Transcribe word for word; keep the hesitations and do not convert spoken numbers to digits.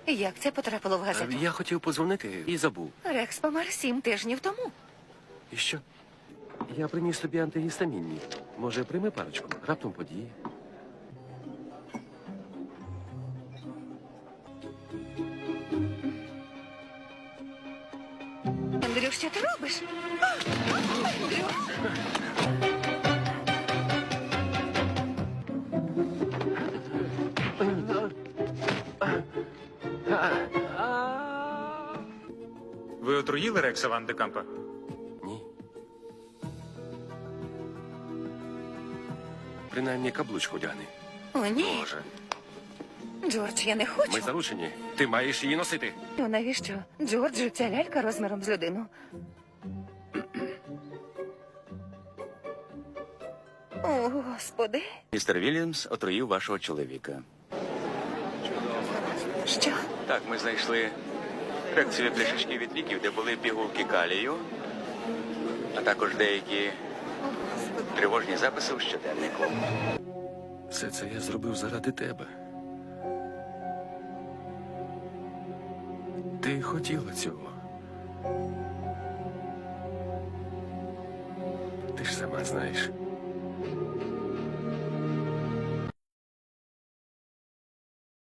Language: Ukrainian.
Як це потрапило в газету? Я хотів подзвонити і забув. Рекс помер сім тижнів тому. І що? Я приніс тобі антигістамінні. Може, прийми парочку? Раптом події. Андрю, що ти робиш? А! Андрю! Ви отруїли Рекса Ван де Кампа? Ні. Принаймні каблучку одягни. О, ні. Боже. Джордж, я не хочу. Ми заручені. Ти маєш її носити. Ну, навіщо? Джорджу, ця лялька розміром з людину. О, Господи. Містер Вільямс отруїв вашого чоловіка. Що? Так, ми знайшли фракцію пляшечки від ліків, де були пігулки калію, а також деякі тривожні записи у щоденнику. Все це я зробив заради тебе. Ти хотіла цього. Ти ж сама знаєш.